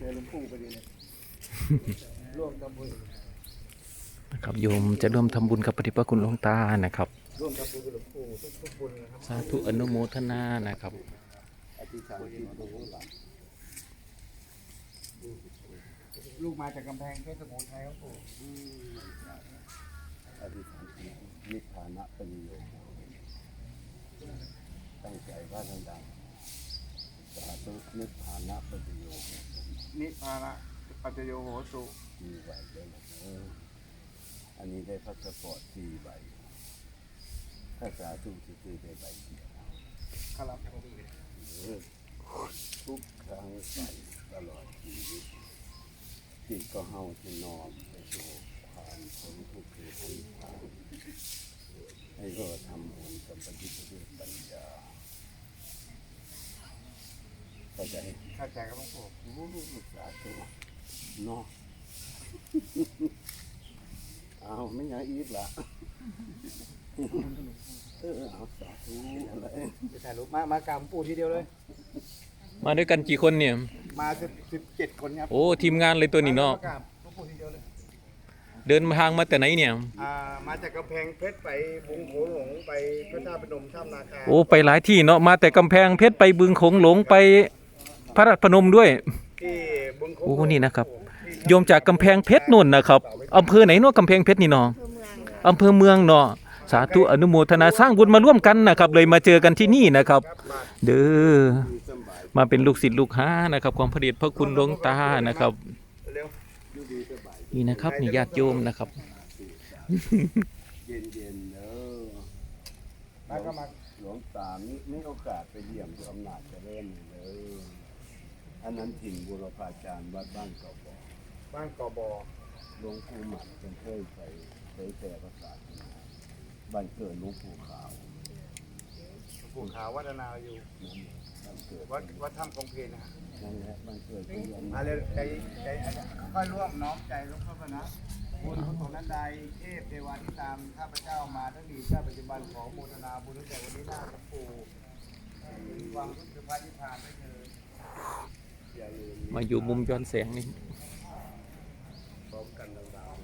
อหลวงปู่พอดีเลยร่วมทำบุญนะครับโยมจะร่วมทำบุญกับพระเดชพระคุณหลวงตานะครับร่วมทำบุญกับหลวงปู่ทุกบุญนะครับสาธุอนุโมทนานะครับอธิษฐานจิตของหลานลูกมาจากกำแพงเพชรสมุทรไทยครับปู่อธิษฐานจิตนิพพานะปริโยตั้งใจว่าดังๆสาธุนิพพานะปริโยนิพพานะปัจจโยโหตุมีใบด้วยนะอันนี้ได้พาสปอร์ต4 ใบถ้าสาธุที่ได้ใบเดียวครับทุกครั้งใส่ตลอดชีวิตจิตก็เฮาที่นอมไปสู่ความพ้นทุกข์คือพ้นทางให้เราทำบุญกับปัญญาด้วยปัญญาเข้าใจครับหลวงปู่สาธุเนาะเอาไม่อยากอีกละเอาสาธุอะไรจะถ่ายรูปมากราบปู่ทีเดียวเลยมาด้วยกันกี่คนเนี่ยมา17 คนครับโอ้ทีมงานเลยตัวนี้เนาะมากราบปู่ทีเดียวเลยเดินทางมาแต่ไหนเนี่ยมาจากกำแพงเพชรไปบึงโขงหลงไปพระธาตุพนมถ้ำนาคาโอ้ไปหลายที่เนาะมาแต่กำแพงเพชรไปบึงโขงหลงไปพระธาตุพนมด้วยที่บึงโขงโอ้นี่นะครับโยมจากกำแพงเพชรนู่นนะครับอำเภอไหนเนาะกำแพงเพชรนี่เนาะอำเภอเมืองเนาะสาธุอนุโมทนาสร้างบุญมาร่วมกันนะครับเลยมาเจอกันที่นี่นะครับเด้อมาเป็นลูกศิษย์ลูกหานะครับของพระเดชพระคุณหลวงตานะครับนี่นะครับนี่ญาติโยมนะครับเย็นๆเด้อหลวงตาไม่โอกาสไปเยี่ยมอำนาจเจริญเลยอันนั้นถิ่นบุรพาจารย์วัดบ้านกบหลวงปู่หมันเป็นเคยไปเผยแผ่ภาษาบ้านเกิดหลวงปู่ขาววัฒนาอยู่วัดถ้ำคงเพลนะนั่นแหละบ้านเกิดอะไรใจค่อยร่วมน้อมใจหลวงพ่อนะบุญกุศลนั้นใดเทพเทวาที่ตามข้าพเจ้ามาทั้งดีชาติปัจจุบันขอโมทนาบุญตั้งแต่วันนี้หน้าหลวงปู่มีความรู้สึกพระนิพพานได้เลยมาอยู่มุมย้อนแสงนี่พร้อมกันดาว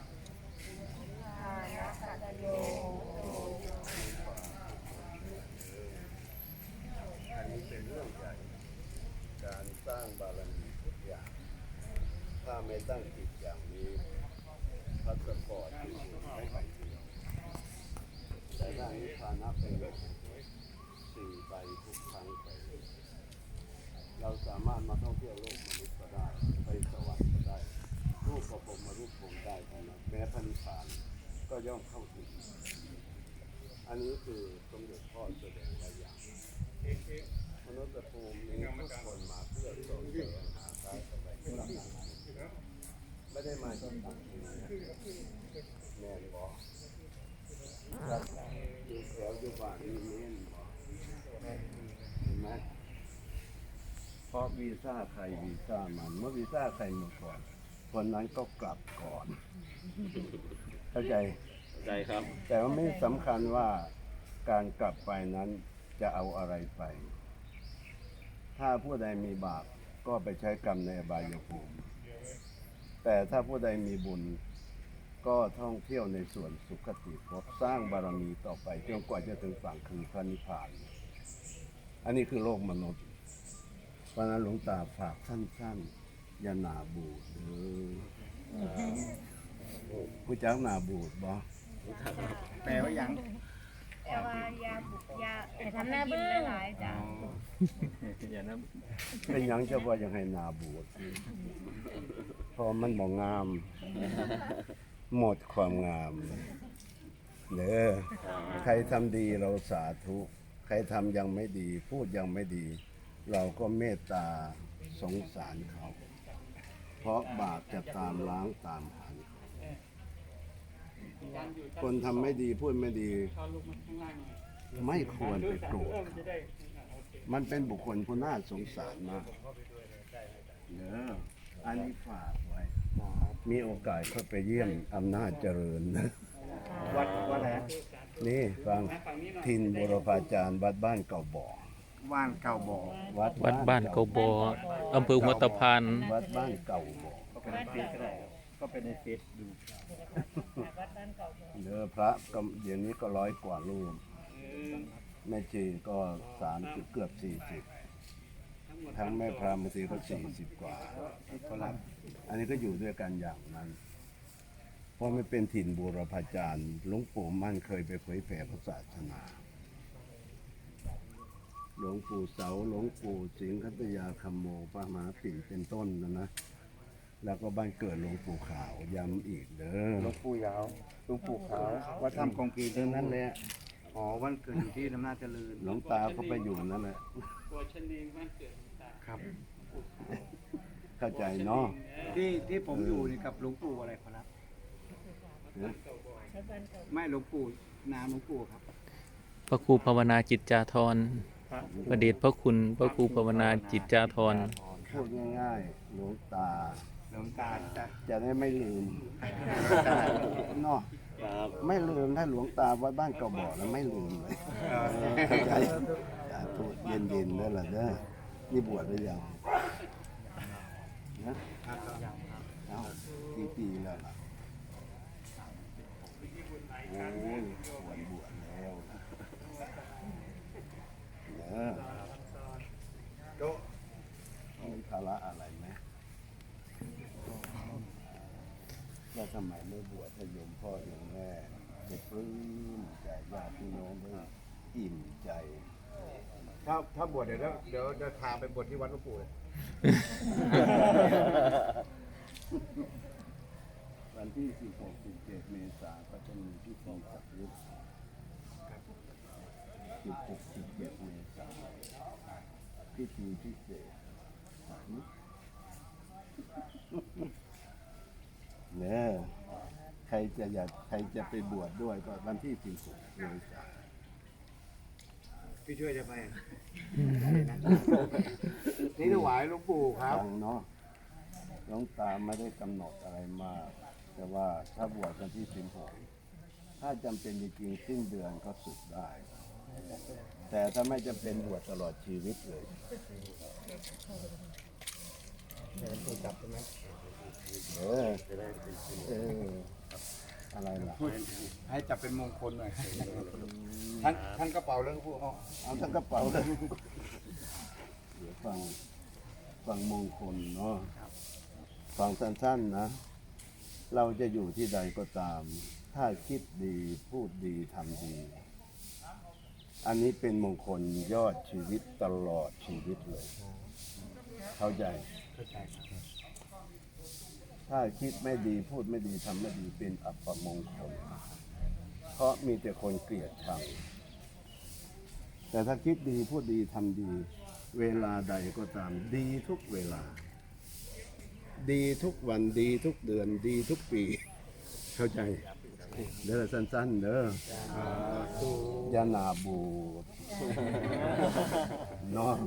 อันนี้เป็นเรื่องใหญ่การสร้างบารมีทุกอย่างถ้าไม่ตั้งจิตอย่างนี้พาสปอร์ตคือไม่ไปเดียวแต่ได้นิพพานะเป็นแบบ4 ใบทุกครั้งไปเราสามารถมาท่องเที่ยวโลกมนุษย์ก็ได้ไปสวรรค์ก็ได้รูปประพรมมารูปพรมได้ทั้งนั้นแม้พระนิพพานก็ย่อมเข้าถึงอันนี้คือสมเด็จพ่อแสดงไว้อย่างมนุษย์ภูมินี้ทุกคนมาเพื่อส่งเสริมหาการสบายใจไม่ได้มาที่ต่างที่แม่บอกอยู่แถวอยู่บ้านนี่เน้นบอกเห็นไหมเพราะวีซ่าใครวีซ่ามันเมื่อวีซ่าใครหมดก่อนคนนั้นก็กลับก่อนเข้าใจครับแต่ว่าไม่สำคัญว่าการกลับไปนั้นจะเอาอะไรไปถ้าผู้ใดมีบาปก็ไปใช้กรรมในอบายภูมิแต่ถ้าผู้ใดมีบุญก็ท่องเที่ยวในส่วนสุขติภพสร้างบารมีต่อไปจนกว่าจะถึงฝั่งคือพระนิพพานอันนี้คือโลกมนุษย์เพราะนั้นหลวงตาฝากสั้นๆอย่าหนาบูดผู้จักหนาบูดบ่แปลว่าหยังแต่ว่ายาทำหน้าบึ้งหลายจ้ะเป็นหยังจะว่ายังให้หนาบูดเพราะมันบ่งามหมดความงามเด้อใครทำดีเราสาธุใครทำยังไม่ดีพูดยังไม่ดีเราก็เมตตาสงสารเขาเพราะบาปจะตามล้างตามหันคนทำไม่ดีพูดไม่ดีไม่ควรไปโกรธมันเป็นบุคคลผู้น่าสงสารมากเนอะอันนี้ฝากไว้มีโอกาสเข้าไปเยี่ยมอำนาจเจริญนะวัดไหนนี่ฟังทินบุรพาจารย์วัดบ้านเก่าบ่อว่านเก่าบ่อวัดบ้านเกาบออำเภอหัวตะพานวัดบ้านเก่าบ่อก็เป็นในเฟซก็ได้ครับก็เป็นในเฟซดูเด้อพระก็เดี๋ยวนี้ก็100 กว่ารูปแม่ชีก็30เกือบ40ทั้งแม่พระบางทีก็40 กว่าอันนี้ก็อยู่ด้วยกันอย่างนั้น เพราะไม่เป็นถิ่นบูรพาจารย์หลวงปู่มั่นเคยไปเผยแผ่พระศาสนา หลวงปู่เสาหลวงปู่สิงห์คัตยาคัมโมพระมหาปิ่นเป็นต้นนะ แล้วก็บ้านเกิดหลวงปู่ขาวย้ำอีกเด้อหลวงปู่ยาวหลวงปู่ขาววัดถ้ำกองกีเท่านั้นแหละอ๋อวันเกิดอยู่ที่อำนาจเจริญหลวงตาก็ไปอยู่นั่นแหละครับเข้าใจเนาะที่ผมอยู่นี่กับหลวงปู่อะไรครับ ไม่หลวงปู่นามหลวงปู่ครับพระครูภาวนาจิตจาธรประเดชพระคุณพระครูภาวนาจิตจาธรพูดง่ายๆหลวงตาหลวงตาจะจะได้ไม่ลืมเนาะไม่ลืมถ้าหลวงตาวัดบ้านเก่าบ่อแล้วไม่ลืมเลยเข้าใจอย่าพูดเย็นๆนั่นแหละเด้อนี่บวชหรือยังนะเอากี่ปีแล้วล่ะโอ้ยวันบวชแล้วนะมีภาระอะไรไหมแล้วทำไมไม่บวชให้โยมพ่อโยมแม่ได้ปลื้มใจญาติพี่น้องได้อิ่มใจถ้าบวชเดี๋ยวจะพาไปบวชที่วัดหลวงปู่เลยวันที่ 16 17 เมษายนก็จะมีพิธีสักยุค16 17 เมษายนพิธีพิเศษเนี่ยใครจะไปบวชด้วยก็วันที่ 16 เมษายนพี่ช่วยจะไป นี่ถวายหลวงปู่ครับฟังเนาะหลวงตาไม่ได้กำหนดอะไรมาก แต่ว่าถ้าบวชวันที่ 16 ถ้าจำเป็นจริงๆสิ้นเดือนก็สึกได้ แต่ถ้าไม่จำเป็นบวชตลอดชีวิตเลย เอออะไรล่ะให้จับเป็นมงคลหน่อยทั้งกระเป๋าเรื่องพวกเอาทั้งกระเป๋าเลยเดี๋ยวฟังมงคลเนาะฟังสั้นๆนะ เราจะอยู่ที่ใดก็ตาม ถ้าคิดดีพูดดีทำดี อันนี้เป็นมงคลยอดชีวิตตลอดชีวิตเลย เข้าใจ ถ้าคิดไม่ดีพูดไม่ดีทำไม่ดีเป็นอัปมงคล เพราะมีแต่คนเกลียดชังแต่ถ้าคิดดีพูดดีทำดี เวลาใดก็ตามดีทุกเวลา ดีทุกวันดีทุกเดือนดีทุกปี เข้าใจ เด้อสั้นๆเด้อยานาบูดเนาะ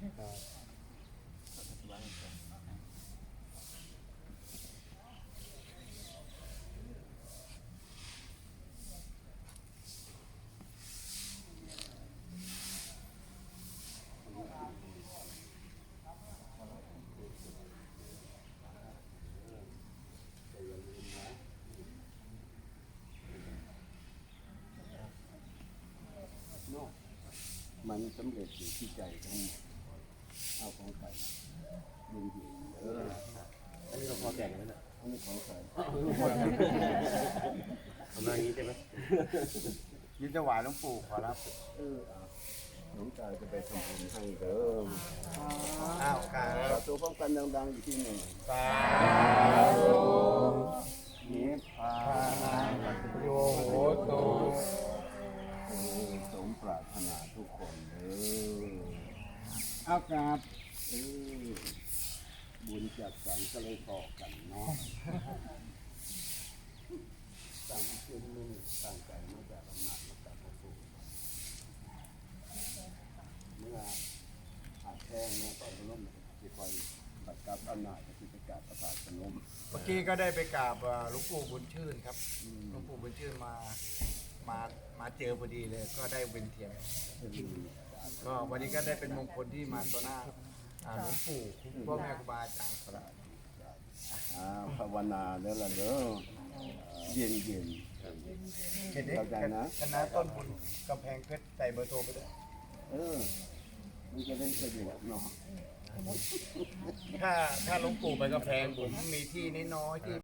มันสำเร็จอยู่ที่ใจทั้งหมดเอาของใครยินดีอันนี้เราพอแก่แล้วนะอันนี้ของใครทำมาอย่างนี้ใช่ไหมยินถวายหลวงปู่ขอรับหลวงตาจะไปทำบุญให้เด้ออ้าวการสาธุพร้อมกันดังๆอยู่ที่หนึ่งสาธุนิพพานังโยโหตุสมปรารถนาทุกคนเด้ออ้าวครับบุญจัดสรรก็เลยต่อกันเนาะตามขึ้นมุ่งตั้งใจมาจากอำนาจมาจากพระสูเมื่ออาจแท้งเนี่ยก็จะล้มจะคอยบัดกับอำนาจจะพิจารประสาทสนมเมื่อกี้ก็ได้ไปกราบหลวงปู่บุญชื่นครับหลวงปู่บุญชื่นมาเจอพอดีเลย ก็ได้เวียนเทียนอัก็วันนี้ก็ได้เป็นมงคลที่มาต่อหน้าหลวงปู่พ่อแม่ครูบาอาจารย์ครับภาวนาเด้อละเด้อเย็นเย็นเห็นไหมเข้าใจนะคณะต้นบุญกำแพงเพชรใส่เบอร์โทรไปด้วยมันจะได้สะดวกเนาะถ้าหลวงปู่ไปกำแพงผมมีที่น้อยๆที่